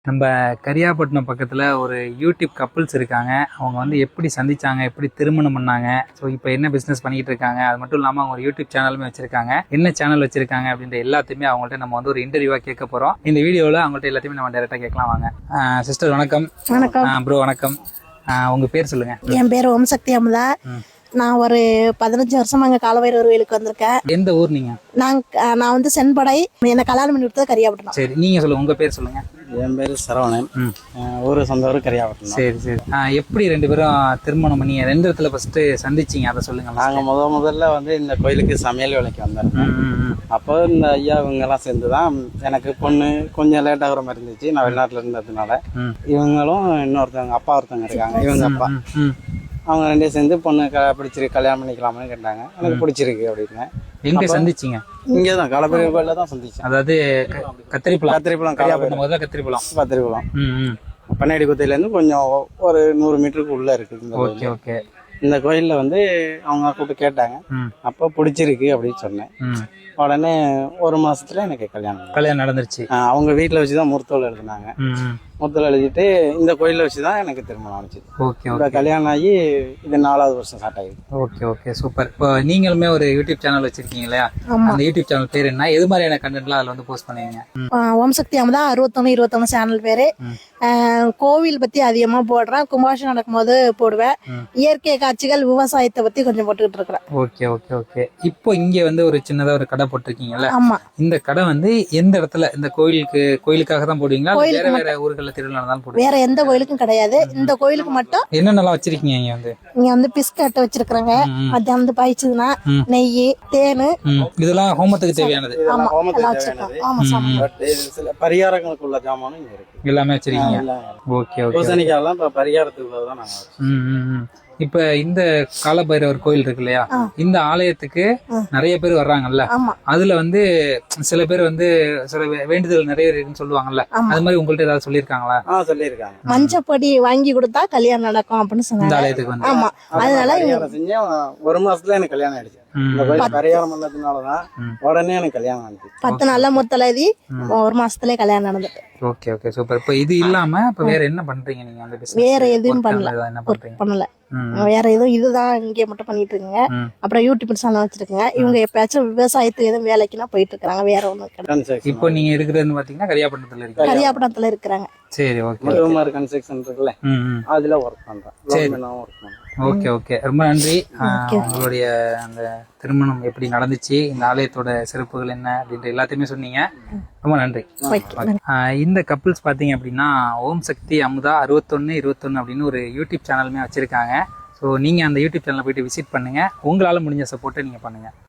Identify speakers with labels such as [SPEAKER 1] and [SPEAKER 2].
[SPEAKER 1] நம்ம கரியாப்பட்டினம் பக்கத்தில் ஒரு யூடியூப் கப்புள்ஸ் இருக்காங்க. அவங்க வந்து எப்படி சந்திச்சாங்க, எப்படி திருமணம் பண்ணாங்க, ஸோ இப்போ என்ன பிஸ்னஸ் பண்ணிட்டு இருக்காங்க, அது மட்டும் இல்லாமல் அவங்க ஒரு யூடியூப் சேனலுமே வச்சிருக்காங்க. என்ன சேனல் வச்சிருக்காங்க அப்படின்ற எல்லாத்தையுமே அவங்கள்ட்ட நம்ம வந்து ஒரு இன்டர்வியூவாக கேட்க போகிறோம். இந்த வீடியோவில் அவங்கள்ட்ட எல்லாத்தையுமே நம்ம டேரெக்டாக கேட்கலாம் வாங்க. சிஸ்டர் வணக்கம்.
[SPEAKER 2] வணக்கம்
[SPEAKER 1] ப்ரோ வணக்கம். உங்கள் பேர் சொல்லுங்கள்.
[SPEAKER 2] என் பேர் ஓம் சக்தி அமுதா. நான் ஒரு 15 வருஷமா அங்கே காலபைரவர் கோயிலுக்கு வந்திருக்கேன்.
[SPEAKER 1] எந்த ஊர் நீங்கள்?
[SPEAKER 2] நான் வந்து சென்படை. என்னை கல்யாணம் பண்ணி கொடுத்தது கரியாப்பட்டினம்.
[SPEAKER 1] சரி, நீங்கள் சொல்லுங்கள், உங்கள் பேர் சொல்லுங்கள்.
[SPEAKER 3] என் பேர் சரவணன். ஊர் சொந்த ஊர் கரியாப்பட்டினம்.
[SPEAKER 1] சரி சரி. எப்படி ரெண்டு பேரும் திருமணம் பண்ணி ரெண்டு இடத்துல ஃபர்ஸ்ட் சந்திச்சிங்க, அதை சொல்லுங்க.
[SPEAKER 3] நாங்கள் முதல்ல வந்து இந்த கோயிலுக்கு சமையல் வேலைக்கு வந்திருக்கோம். அப்போ இந்த ஐயா இவங்கெல்லாம் சேர்ந்து தான் எனக்கு பொண்ணு கொஞ்சம் லேட் ஆகிற மாதிரி இருந்துச்சு. நான் வெளிநாட்டில் இருந்ததுனால இவங்களும் இன்னொருத்தவங்க அப்பா ஒருத்தவங்க இருக்காங்க, இவங்க அப்பா, அவங்க ரெண்டே சேர்ந்து பொண்ணு பிடிச்சிருக்கு கல்யாணம் பண்ணிக்கலாம்னு கேட்டாங்க. எனக்கு பிடிச்சிருக்கு அப்படின்னு.
[SPEAKER 1] எங்க சந்திச்சிங்க?
[SPEAKER 3] இங்கே தான் காலபைரவர் கோயிலில் தான் சந்திச்சேன்.
[SPEAKER 1] அதாவது கத்திரிப்பழம்
[SPEAKER 3] கரியாப்பட்டினம்
[SPEAKER 1] முதல்ல கத்திரிப்பழம்
[SPEAKER 3] பண்ணாடி குத்தையிலேருந்து கொஞ்சம் ஒரு 100 மீட்டருக்கு உள்ளே இருக்குது.
[SPEAKER 1] Okay okay.
[SPEAKER 3] இந்த கோயிலில் வந்து அவங்க கூப்பிட்டு கேட்டாங்க. அப்போ பிடிச்சிருக்கு அப்படின்னு சொன்னேன். உடனே ஒரு மாசத்துல எனக்கு கல்யாணம் நடந்துருச்சு. அவங்க வீட்டில் வச்சு தான் முகூர்த்தம் எழுதினாங்க. முகூர்த்தம் எழுதிட்டு இந்த கோயிலில் வச்சு தான் எனக்கு திருமணம் ஆனிச்சு.
[SPEAKER 1] ஓகே.
[SPEAKER 3] கல்யாணம் ஆகி இது 4வது வருஷம் ஸ்டார்ட் ஆகிடுது.
[SPEAKER 1] Okay okay, super. இப்போ நீங்களுமே ஒரு யூடியூப் சேனல் வச்சிருக்கீங்க இல்லையா? அந்த யூடியூப் சேனல் பேர் என்ன, எது மாதிரியான கண்டென்ட்லாம் அதில் வந்து போஸ்ட் பண்ணுவீங்க?
[SPEAKER 2] ஓம் சக்தி அமுதா 61 சேனல் பேரு. கோவில் பத்தி அதிகமா போடுறேன். கும்பாபிஷேகம் நடக்கும்போது போடுவேன். இயற்கை காட்சிகள், விவசாயத்தை பத்தி கொஞ்சம் போட்டுக்கிட்டு இருக்கிறேன்.
[SPEAKER 1] Okay okay okay. இப்போ இங்க வந்து ஒரு சின்னதா ஒரு கடை போட்டிருக்கீங்கல்ல?
[SPEAKER 2] ஆமா.
[SPEAKER 1] இந்த கடை வந்து எந்த இடத்துல? இந்த கோயிலுக்காக தான் போடுவீங்களா, வேற வேற ஊர்கள திருவிழா தான் போடுவீங்க?
[SPEAKER 2] வேற எந்த கோயிலுக்கும் கிடையாது, இந்த கோயிலுக்கு மட்டும்.
[SPEAKER 1] என்னென்னலாம் வச்சிருக்கீங்க இங்க வந்து
[SPEAKER 2] பிஸ்கட் வச்சிருக்காங்க. மத்தியானம் வந்து பாய்ச்சதுன்னா நெய், தேனு,
[SPEAKER 1] இதெல்லாம் ஹோமத்துக்கு தேவையானது.
[SPEAKER 3] சில பரிகாரங்களுக்குள்ள ஜாமானும் இங்க இருக்கு, எல்லாமே
[SPEAKER 1] வச்சிருக்கீங்க. Okay okay.
[SPEAKER 3] பூசணிக்காயெல்லாம் பரிகாரத்துக்கு தான் நாங்க.
[SPEAKER 1] இப்ப இந்த காலபைரவர் கோயில் இருக்கு இல்லையா, இந்த ஆலயத்துக்கு நிறைய பேர் வர்றாங்கல்ல, அதுல வந்து சில பேர் வந்து சில வேண்டுதல் நிறைய இருக்குன்னு சொல்லுவாங்கல்ல, அது மாதிரி உங்கள்ட்ட ஏதாவது சொல்லிருக்காங்களா?
[SPEAKER 3] சொல்லிருக்காங்க.
[SPEAKER 2] மஞ்சப்படி வாங்கி கொடுத்தா கல்யாணம் நடக்கும் அப்படின்னு சொன்னாங்க.
[SPEAKER 1] இந்த ஆலயத்துக்கு வந்து
[SPEAKER 2] ஆமா, அதனால
[SPEAKER 3] செஞ்சேன். ஒரு மாசத்துல எனக்கு கல்யாணம் ஆயிடுச்சு. பரிகாரம் பண்ணதுனாலதான் உடனே எனக்கு கல்யாணம் ஆனிச்சு.
[SPEAKER 2] 10 நாள்ல முத்தலதி ஒரு மாசத்துல கல்யாணம் நடந்துட்டு.
[SPEAKER 1] Okay okay, super. இப்ப இது இல்லாம இப்ப வேற என்ன பண்றீங்க நீங்க? அந்த பிசினஸ்
[SPEAKER 2] வேற எதுவும் பண்ணல. வேற எதுவும், இதுதான் இங்கே மட்டும் பண்ணிட்டு இருக்கீங்க. அப்புறம் யூடியூப் சேனல் வச்சிருக்கீங்க. இவங்க எப்பயாச்சும் விவசாயத்துக்கு எதுவும் வேலைக்குன்னா போயிட்டு இருக்காங்க. வேற ஒண்ணும் கிடையாது.
[SPEAKER 1] இப்போ நீங்க இருக்கிறது பாத்தீங்கன்னா
[SPEAKER 2] கரியாப்பட்டினத்துல இருக்கிறாங்க.
[SPEAKER 1] சரி, ஓகே.
[SPEAKER 3] கன்ஸ்ட்ரக்ஷன் இருக்குல்ல, அதுல ஒர்க் பண்றேன்.
[SPEAKER 1] ஓகே ஓகே, ரொம்ப நன்றி. உங்களுடைய அந்த திருமணம் எப்படி நடந்துச்சு, இந்த ஆலயத்தோட சிறப்புகள் என்ன அப்படின்ற எல்லாத்தையுமே சொன்னீங்க. ரொம்ப நன்றி. இந்த கப்புள்ஸ் பாத்தீங்க அப்படின்னா ஓம் சக்தி அமுதா 61 அப்படின்னு ஒரு யூடியூப் சேனலுமே வச்சிருக்காங்க. ஸோ நீங்க அந்த யூடியூப் சேனலை போயிட்டு விசிட் பண்ணுங்க. உங்களால முடிஞ்ச சப்போர்ட்டை நீங்க பண்ணுங்க.